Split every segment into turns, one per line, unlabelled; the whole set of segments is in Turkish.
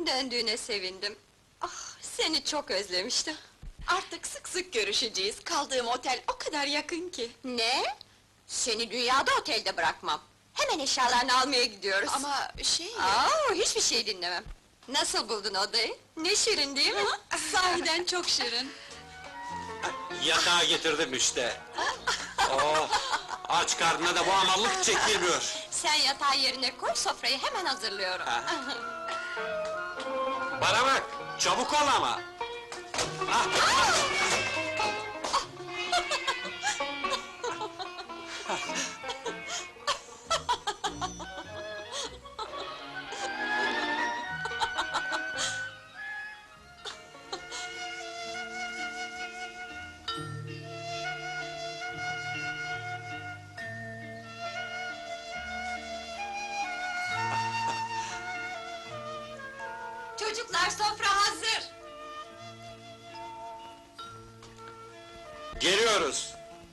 Döndüğüne sevindim. Ah, seni çok özlemiştim.
Artık sık sık görüşeceğiz. Kaldığım otel o kadar yakın ki.
Ne? Seni dünyada otelde bırakmam. Hemen eşyalarını almaya gidiyoruz.
Ama şey...
Hiçbir şey dinlemem. Nasıl buldun odayı? Ne şirin değil mi?
Sahiden çok şirin.
Yatağı getirdim işte. Oh, aç karnına da bu amallık çekilmiyor.
Sen yatağı yerine koy, sofrayı hemen hazırlıyorum.
Bana bak, çabuk ol ama.
Çocuklar, sofra hazır!
Geliyoruz.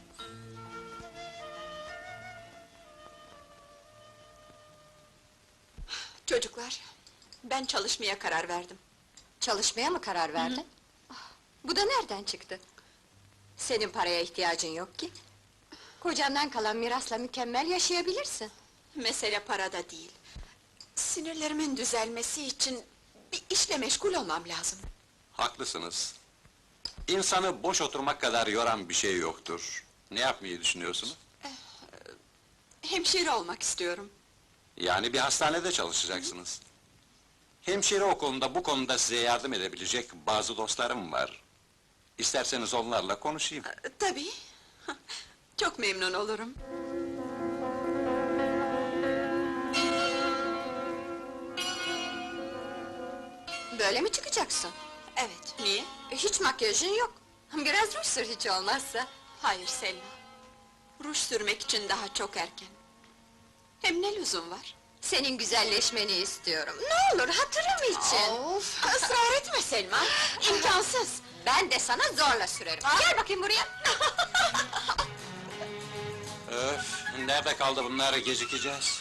Çocuklar, ben çalışmaya karar verdim.
Çalışmaya mı karar verdin? Ah, bu da nereden çıktı? Senin paraya ihtiyacın yok ki. Kocandan kalan mirasla mükemmel yaşayabilirsin.
Mesele parada değil. Sinirlerimin düzelmesi için bir işle meşgul olmam lazım.
Haklısınız. İnsanı boş oturmak kadar yoran bir şey yoktur. Ne yapmayı düşünüyorsunuz?
Hemşire olmak istiyorum.
Yani bir hastanede çalışacaksınız. Hemşire okulunda bu konuda size yardım edebilecek bazı dostlarım var. İsterseniz onlarla konuşayım.
Tabii. Çok memnun olurum.
Böyle mi çıkacaksın?
Evet, niye?
Hiç makyajın yok. Biraz ruj sür hiç olmazsa.
Hayır Selma. Ruj sürmek için daha çok erken. Hem ne lüzum var?
Senin güzelleşmeni istiyorum. Ne olur, hatırım için!
Of, ısrar etme Selma! İmkansız!
Ben de sana zorla sürerim. Gel bakayım buraya!
Öf, nerede kaldı bunlar, gecikeceğiz.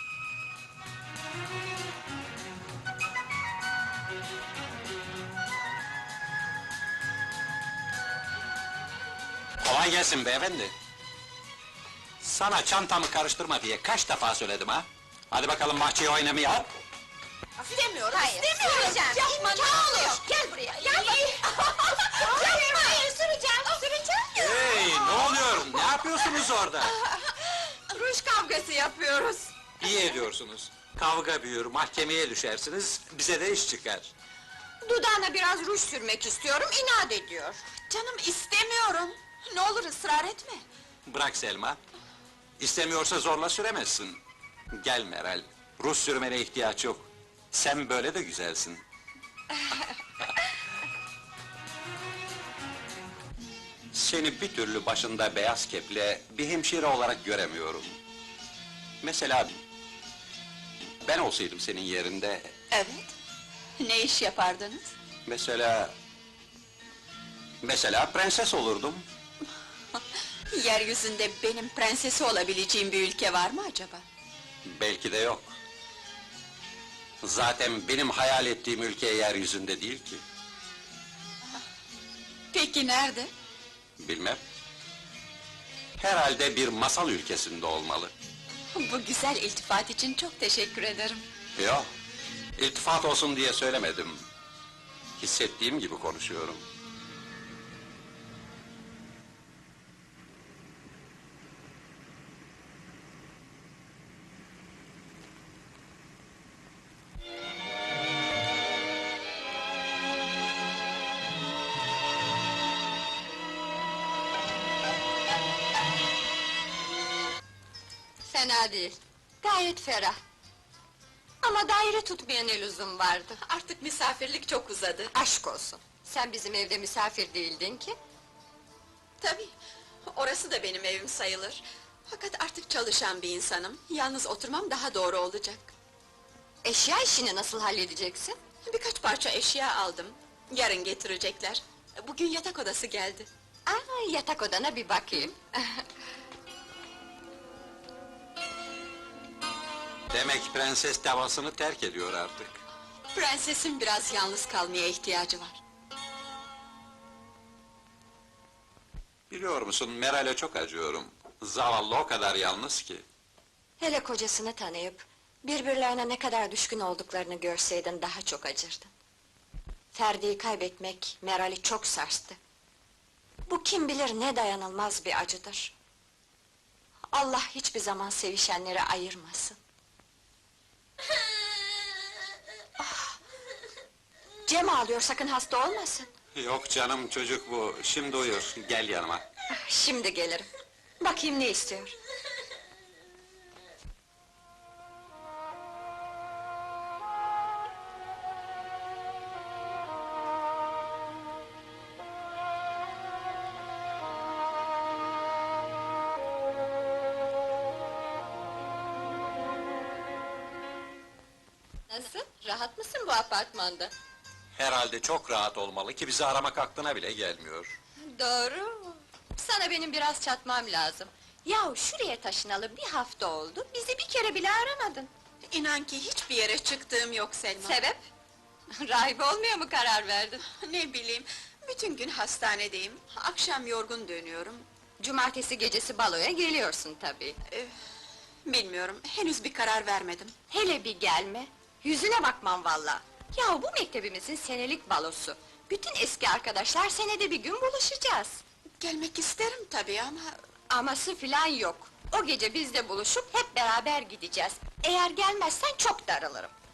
Kolay gelsin beyefendi. Sana çantamı karıştırma diye kaç defa söyledim ha? Hadi bakalım bahçeye oynamaya.
İstemiyorum,
Hayır, süreceğim!
Yapma, ne olur!
Gel buraya, gel bakayım! Hayır, süreceğim!
Hey, ne oluyor? Ne yapıyorsunuz orada?
Ruj kavgası yapıyoruz!
İyi ediyorsunuz. Kavga büyür, mahkemeye düşersiniz, bize de iş çıkar.
Dudağına biraz ruj sürmek istiyorum, inat ediyor.
Canım istemiyorum! Ne olur ısrar etme!
Bırak Selma. İstemiyorsa zorla süremezsin. Gel Meral, Rus sürmene ihtiyaç yok. Sen böyle de güzelsin. Seni bir türlü başında beyaz keple bir hemşire olarak göremiyorum. Mesela ben olsaydım senin yerinde,
Evet. Ne iş yapardınız?
mesela prenses olurdum.
Yeryüzünde benim prensesi olabileceğim bir ülke var mı acaba?
Belki de yok. Zaten benim hayal ettiğim ülke yeryüzünde değil ki.
Peki nerede?
Bilmem. Herhalde bir masal ülkesinde olmalı.
Bu güzel iltifat için çok teşekkür ederim.
Yok, iltifat olsun diye söylemedim. Hissettiğim gibi konuşuyorum.
Fena değil, gayet ferah. Ama daire tutmaya ne lüzum vardı?
Artık misafirlik çok uzadı.
Aşk olsun! Sen bizim evde misafir değildin ki.
Tabii, orası da benim evim sayılır. Fakat artık çalışan bir insanım. Yalnız oturmam daha doğru olacak.
Eşya işini nasıl halledeceksin?
Birkaç parça eşya aldım. Yarın getirecekler. Bugün yatak odası geldi.
Yatak odana bir bakayım.
Demek prenses davasını terk ediyor artık.
Prensesin biraz yalnız kalmaya ihtiyacı var.
Biliyor musun, Meral'e çok acıyorum. Zavallı o kadar yalnız ki.
Hele kocasını tanıyıp, birbirlerine ne kadar düşkün olduklarını görseydin daha çok acırdın. Ferdi'yi kaybetmek Meral'i çok sarstı. Bu kim bilir ne dayanılmaz bir acıdır. Allah hiçbir zaman sevişenleri ayırmasın. Ah! Cem ağlıyor, sakın hasta olmasın.
Yok canım, çocuk bu. Şimdi uyur, gel yanıma.
Ah, şimdi gelirim. Bakayım ne istiyor. Nasıl? Rahat mısın bu apartmanda?
Herhalde çok rahat olmalı ki bizi aramak aklına bile gelmiyor.
Doğru. Sana benim biraz çatmam lazım. Yahu şuraya taşınalı bir hafta oldu, bizi bir kere bile aramadın.
İnan ki hiçbir yere çıktığım yok Selma.
Sebep? Rahibe olmaya mı karar verdin?
Ne bileyim, bütün gün hastanedeyim. Akşam yorgun dönüyorum.
Cumartesi gecesi baloya geliyorsun tabii.
Bilmiyorum, henüz bir karar vermedim.
Hele bir gelme, yüzüne bakmam valla. Yahu bu mektebimizin senelik balosu. Bütün eski arkadaşlar senede bir gün buluşacağız.
Gelmek isterim tabii ama...
Aması filan yok. O gece bizde buluşup hep beraber gideceğiz. Eğer gelmezsen çok darılırım.